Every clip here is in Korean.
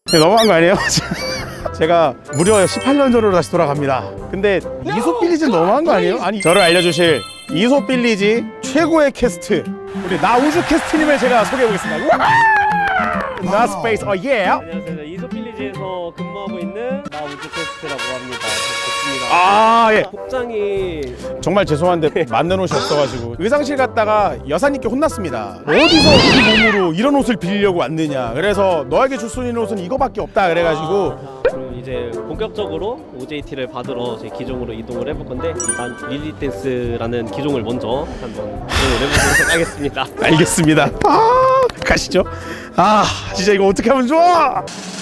너무한 거 아니에요? 제가 무려 18년 전으로 다시 돌아갑니다. 근데 이솝 빌리지 너무한 거 아니에요? 아니 저를 알려주실 이솝 빌리지 최고의 캐스트 우리 나우주 캐스트님을 제가 소개해 보겠습니다. 나 스페이스 예. 안녕하세요. 이솝 빌리지에서 근무하고 있는 나우주 캐스트라고 합니다. 좋습니다. 아 예. 복장이 정말 죄송한데 맞는 옷이 없어가지고 의상실 갔다가 여사님께 혼났습니다. 어디서 이 몸으로 이런 옷을 빌리려고 왔느냐. 그래서 너에게 줄 수 있는 옷은 이거밖에 없다 그래가지고 그럼 이제 본격적으로 OJT를 받으러 제 기종으로 이동을 해볼 건데 일단 릴리 댄스라는 기종을 먼저 한번 이동을 해보도록 하겠습니다. 알겠습니다. 아 가시죠. 아 진짜 이거 어떻게 하면 좋아.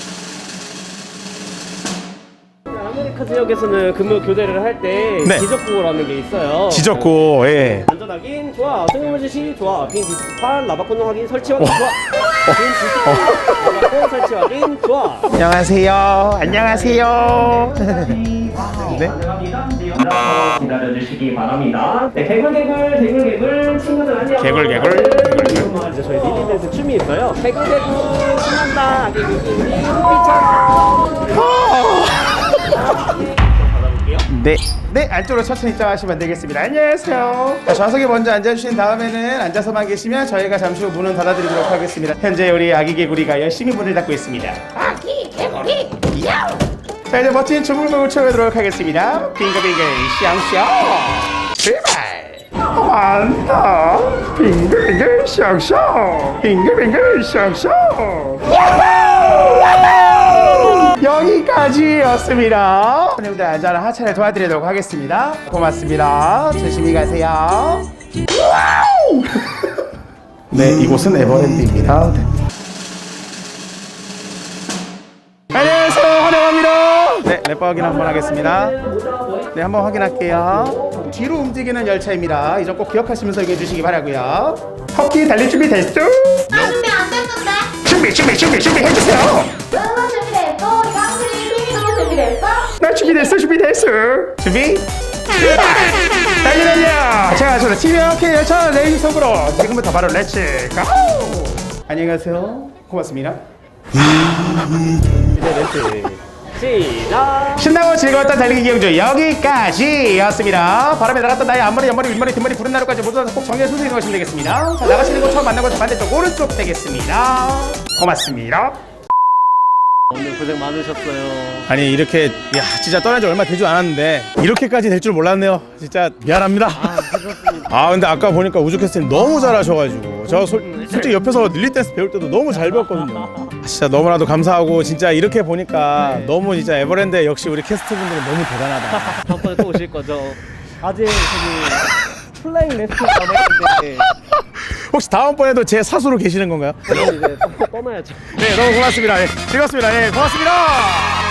아메리카 지역에서는 근무 교대를 할 때 네. 지적구라는 게 있어요. 지적고 예. 안전 확인 좋아. 승용물 지시 좋아. 빈 디스크판 라바콘 확인 설치 확인 좋아. 빈 디스크판 라바콘 설치 확인 좋아. 안녕하세요. 안녕하세요. 네. 기다려주시기 바랍니다. 네, 개굴 친구들 안녕. 개굴. 이제 저희 릴리 댄스 춤이 있어요. 개굴 신난다. 아기 기기니 흑비처럼. 네. 네, 안쪽으로 천천히 입장하시면 되겠습니다. 안녕하세요. 자, 좌석에 먼저 앉아주신 다음에는 앉아서만 계시면 저희가 잠시 후 문은 닫아드리도록 하겠습니다. 현재 우리 아기 개구리가 열심히 문을 닫고 있습니다. 아기 개구리, 야우! 자, 이제 멋진 춤을 춰보도록 하겠습니다. 빙글빙글, 샹샹! 출발! 완다! 빙글빙글, 샹샹! 빙글빙글, 샹샹! 여기까지였습니다. 손님들 안전한 하차를 도와드리도록 하겠습니다. 고맙습니다. 조심히 가세요. 네, 이곳은 에버랜드입니다. 안녕하세요. 환영합니다. 네, 랩 확인 한번 하겠습니다. 네, 한번 확인할게요. 뒤로 움직이는 열차입니다. 이 점 꼭 기억하시면서 얘기해 주시기 바라고요. 터키 달릴 준비 됐어? 나 준비 안 됐는데? 준비 해주세요. 너무 준비됐고 깡그리 핑이도 준비됐어? 나 준비됐어. 준비 달려. 자, 저는 TVK 열차 레이지 속으로 지금부터 바로 렛츠 고. 안녕히 가세요. 고맙습니다. 이제 멘트 시작. 신나고 즐거웠던 달리기 경주 여기까지였습니다. 바람에 나갔던 나의 앞머리, 옆머리, 윗머리, 뒷머리, 부른 나루까지 모두 다 꼭 정리해 순서에 넣으시면 되겠습니다. 자, 나가시는 곳 처음 만난 곳 반대쪽 오른쪽 되겠습니다. 고맙습니다. 오늘 고생 많으셨어요. 아니 이렇게 진짜 떠난 지 얼마 되지 않았는데 이렇게까지 될 줄 몰랐네요. 진짜 미안합니다. 아 근데 아까 보니까 우주 캐스팅 너무 잘하셔가지고 저 솔직히 옆에서 릴리 댄스 배울 때도 너무 잘 배웠거든요. 진짜 너무나도 감사하고 진짜 이렇게 보니까 너무 진짜 에버랜드 역시 우리 캐스트분들은 너무 대단하다. 다음번에 또 오실 거죠? 아직 저기 플라잉 레스트 남아있는데 혹시 다음번에도 제 사수로 계시는 건가요? 저는 이제 떠나야죠. 네 너무 고맙습니다. 즐겁습니다. 고맙습니다.